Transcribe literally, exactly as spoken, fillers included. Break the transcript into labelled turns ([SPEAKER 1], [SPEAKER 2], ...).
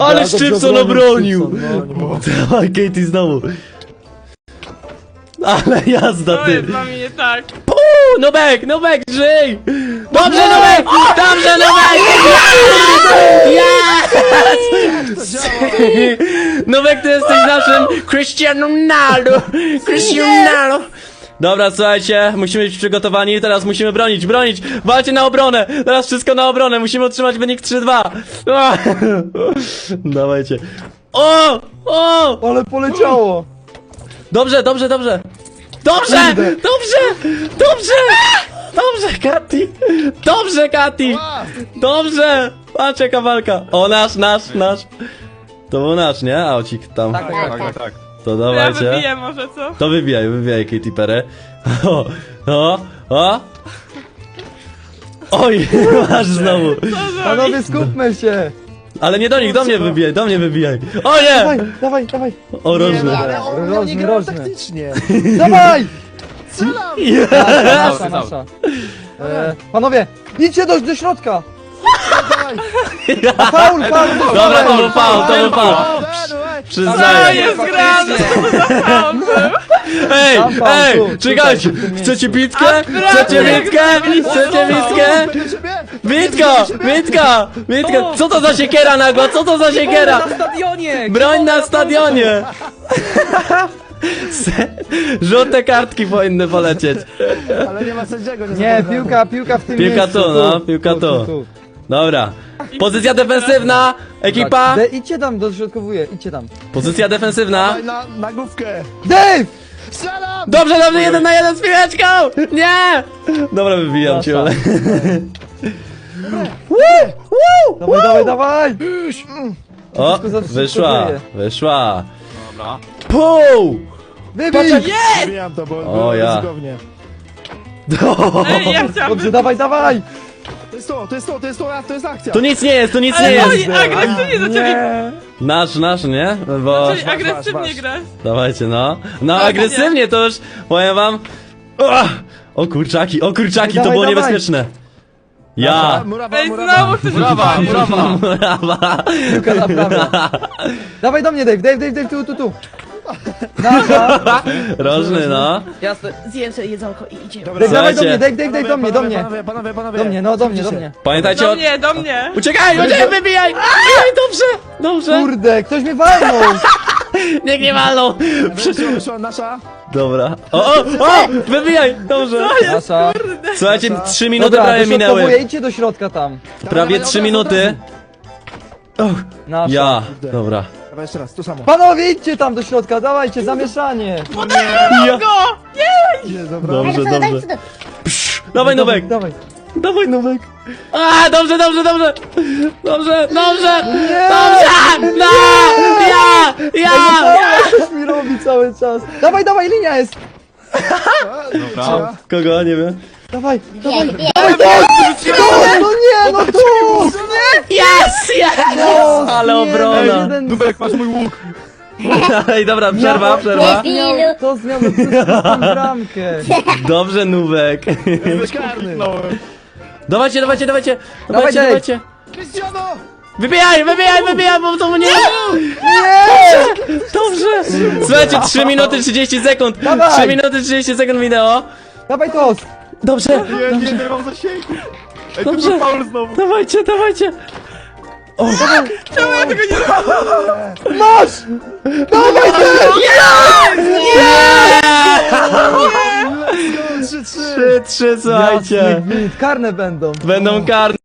[SPEAKER 1] Ale
[SPEAKER 2] dobrze
[SPEAKER 1] Szczypson
[SPEAKER 2] obronił
[SPEAKER 1] obronił!
[SPEAKER 2] Szczypson, no.
[SPEAKER 1] Dawaj, Katie znowu. Ale jazda,
[SPEAKER 3] To
[SPEAKER 1] ty.
[SPEAKER 3] jest dla mnie tak.
[SPEAKER 1] Uuu, Nubek, Nubek, żyj! Dobrze, Nubek! Dobrze, Nubek! Yes! Nubek, ty jesteś naszym Cristiano Ronaldo! Cristiano Ronaldo! Dobra, słuchajcie, musimy być przygotowani, teraz musimy bronić, bronić! Walcie na obronę! Teraz wszystko na obronę, musimy utrzymać wynik trzy dwa! Dawajcie. O! O!
[SPEAKER 2] Ale poleciało!
[SPEAKER 1] Dobrze, dobrze, dobrze! Dobrze! Dobrze! Dobrze! Dobrze, Kati! Dobrze, Kati! Dobrze! Patrz jaka walka! O, nasz, nasz, nasz! To był nasz, nie? Aucik tam.
[SPEAKER 2] Tak, tak, tak.
[SPEAKER 4] tak.
[SPEAKER 1] To
[SPEAKER 3] Ja
[SPEAKER 1] dawajcie.
[SPEAKER 3] wybiję może, co?
[SPEAKER 1] To wybijaj, wybijaj Katy Perry. O, o, o! Oj, masz znowu!
[SPEAKER 2] Panowie, skupmy się!
[SPEAKER 1] Ale nie do nich, do mnie wybijaj, do mnie wybijaj! O
[SPEAKER 2] Dawaj,
[SPEAKER 1] nie!
[SPEAKER 2] dawaj, dawaj!
[SPEAKER 1] O, rożny.
[SPEAKER 5] Ale on miał nie
[SPEAKER 2] Rożny,
[SPEAKER 5] grał
[SPEAKER 2] rożny.
[SPEAKER 5] taktycznie.
[SPEAKER 2] Dawaj!
[SPEAKER 5] Strzelam!
[SPEAKER 2] Nasza, nasza. E, panowie, idźcie do, do środka!
[SPEAKER 5] Dawaj!
[SPEAKER 2] Faul, faul!
[SPEAKER 1] Dobra, to był faul, to był faul.
[SPEAKER 3] Co
[SPEAKER 1] Przyznaję.
[SPEAKER 3] jest grane? Co to za faul był?
[SPEAKER 1] Ej,
[SPEAKER 2] Tam, tam,
[SPEAKER 1] ej,
[SPEAKER 2] tu,
[SPEAKER 1] czekajcie!
[SPEAKER 2] tutaj, w tym
[SPEAKER 1] Chcecie
[SPEAKER 2] miejscu.
[SPEAKER 1] bitkę? Chcecie bitkę? Chcecie bitkę? Bitka! Bitka! Bitka! Co to za siekiera nagła? Co to za siekiera?
[SPEAKER 6] Na stadionie!
[SPEAKER 1] Broń na stadionie! Se- Żółte kartki powinny polecieć.
[SPEAKER 5] Ale nie ma sędziego, nie
[SPEAKER 2] Nie,
[SPEAKER 5] zablokowano.
[SPEAKER 2] piłka, piłka w tym
[SPEAKER 1] Piłka
[SPEAKER 2] miejscu.
[SPEAKER 1] tu, no, piłka tu. Dobra. Pozycja defensywna, ekipa.
[SPEAKER 2] De, idźcie tam, dośrodkowuję, idźcie tam.
[SPEAKER 1] Pozycja defensywna.
[SPEAKER 5] Dawaj na, na główkę.
[SPEAKER 2] Dave!
[SPEAKER 5] Strzelam!
[SPEAKER 1] Dobrze, dobrze, jeden na jeden z piłeczką! Nie! Dobra, wybijam cię, ale...
[SPEAKER 2] Dawaj, dawaj, dawaj!
[SPEAKER 1] O,
[SPEAKER 2] Wszystko za-
[SPEAKER 1] wyszła,
[SPEAKER 2] wszystko
[SPEAKER 1] wyszła.
[SPEAKER 4] Dobra.
[SPEAKER 1] Pół!
[SPEAKER 2] Wybij!
[SPEAKER 5] Zabijam to, bo
[SPEAKER 1] O,
[SPEAKER 5] było
[SPEAKER 1] ja.
[SPEAKER 5] ryzykownie.
[SPEAKER 3] Ej, ja chciałam...
[SPEAKER 2] Dobrze, dawaj, dawaj!
[SPEAKER 5] To jest to, to jest to, to jest to, to jest akcja.
[SPEAKER 1] Tu nic nie jest, tu nic nie
[SPEAKER 3] Ale
[SPEAKER 1] jest!
[SPEAKER 3] oni agresywnie zaczęli...
[SPEAKER 2] Nie!
[SPEAKER 1] Nasz, nasz, nie? Bo...
[SPEAKER 3] Zaczęli
[SPEAKER 5] masz,
[SPEAKER 3] agresywnie
[SPEAKER 5] masz.
[SPEAKER 3] grać.
[SPEAKER 1] Dawajcie, no. No,
[SPEAKER 3] Tak,
[SPEAKER 1] agresywnie to już, powiem wam... O, o kurczaki, o kurczaki, to
[SPEAKER 2] Dawaj,
[SPEAKER 1] było
[SPEAKER 2] dawaj.
[SPEAKER 1] niebezpieczne. Ja!
[SPEAKER 5] Murawa,
[SPEAKER 3] Ej,
[SPEAKER 5] murawa.
[SPEAKER 3] znowu chcesz
[SPEAKER 4] Brawa,
[SPEAKER 3] rzucić.
[SPEAKER 4] brawa.
[SPEAKER 1] Brawa!
[SPEAKER 2] Piłka na prawo. Dawaj do mnie, Dave, Dave, Dave, Dave, tu, tu, tu. Nasza!
[SPEAKER 1] Rożny, no.
[SPEAKER 6] Jasne, zjem sobie jedzonko i idziemy.
[SPEAKER 5] Dobra,
[SPEAKER 2] Dave, dawaj do mnie,
[SPEAKER 1] Słuchajcie.
[SPEAKER 2] Dave, Dave, Dave, do mnie, do mnie.
[SPEAKER 5] Panowie, panowie, panowie.
[SPEAKER 2] Do mnie, no do mnie, do mnie.
[SPEAKER 1] Pamiętajcie
[SPEAKER 3] Do
[SPEAKER 1] o...
[SPEAKER 3] mnie, do mnie.
[SPEAKER 1] Uciekaj, uciekaj, wybijaj! Ej, dobrze, dobrze.
[SPEAKER 2] Kurde, ktoś mnie walnął!
[SPEAKER 1] Niech nie walną.
[SPEAKER 5] Wyszła, wyszła nasza.
[SPEAKER 1] Dobra. O, o, o! Wybijaj! Dobrze.
[SPEAKER 2] Nasza.
[SPEAKER 1] Słuchajcie, trzy minuty
[SPEAKER 2] Dobra,
[SPEAKER 1] prawie
[SPEAKER 2] dośrodkowuję,
[SPEAKER 1] minęły.
[SPEAKER 2] idźcie do środka tam.
[SPEAKER 1] Prawie trzy minuty. Och,
[SPEAKER 2] Nasza.
[SPEAKER 1] ja. Dobra.
[SPEAKER 5] Dawaj jeszcze raz, to samo.
[SPEAKER 2] Panowie, idźcie tam do środka, dawajcie, zamieszanie.
[SPEAKER 1] Ja.
[SPEAKER 5] Nie, dobra.
[SPEAKER 1] Dobrze, dobrze. Psz, dawaj Nowek.
[SPEAKER 2] Dawaj.
[SPEAKER 1] Dawaj Nowek. A, dobrze, dobrze, dobrze. Dobrze, dobrze.
[SPEAKER 2] Nie!
[SPEAKER 1] Dobrze. No, ja, ja.
[SPEAKER 2] Coś mi robi cały czas. Dawaj, dawaj, linia jest.
[SPEAKER 4] Dobra.
[SPEAKER 1] Kogo, nie wiem.
[SPEAKER 2] Dawaj, dawaj. Dawaj, to! No nie, no tu!
[SPEAKER 1] Yes, yes.
[SPEAKER 2] No,
[SPEAKER 1] Ale
[SPEAKER 2] nie,
[SPEAKER 1] obrona.
[SPEAKER 2] no jeden-
[SPEAKER 4] Nubek, masz mój łuk.
[SPEAKER 1] Ej, dobra, przerwa, przerwa.
[SPEAKER 2] miał, to miał tę bramkę.
[SPEAKER 1] Dobrze, Nubek.
[SPEAKER 5] Byłeś karny.
[SPEAKER 1] Dawajcie, dawajcie, dawajcie.
[SPEAKER 2] Dawaj,
[SPEAKER 1] Dawajcie,
[SPEAKER 2] Dave.
[SPEAKER 1] dawajcie.
[SPEAKER 5] Cristiano!
[SPEAKER 1] Wybijaj, wybijaj, wybijaj, bo to mnie...
[SPEAKER 2] Nie!
[SPEAKER 1] Dobrze! Słuchajcie, trzy minuty trzydzieści sekund!
[SPEAKER 2] Dawaj.
[SPEAKER 1] trzy minuty trzydzieści sekund minęło!
[SPEAKER 2] Dawaj to!
[SPEAKER 1] Dobrze!
[SPEAKER 4] Nie, nie, nie mam zasięgu. Ej, to
[SPEAKER 1] Dobrze.
[SPEAKER 4] był faul znowu.
[SPEAKER 1] Dawajcie, dawajcie!
[SPEAKER 3] Czemu ja tego nie zrobiłam?
[SPEAKER 2] Masz! Dawaj ty!
[SPEAKER 5] trzy trzy!
[SPEAKER 1] trzy trzy, słuchajcie!
[SPEAKER 2] Karne będą.
[SPEAKER 1] Będą karne.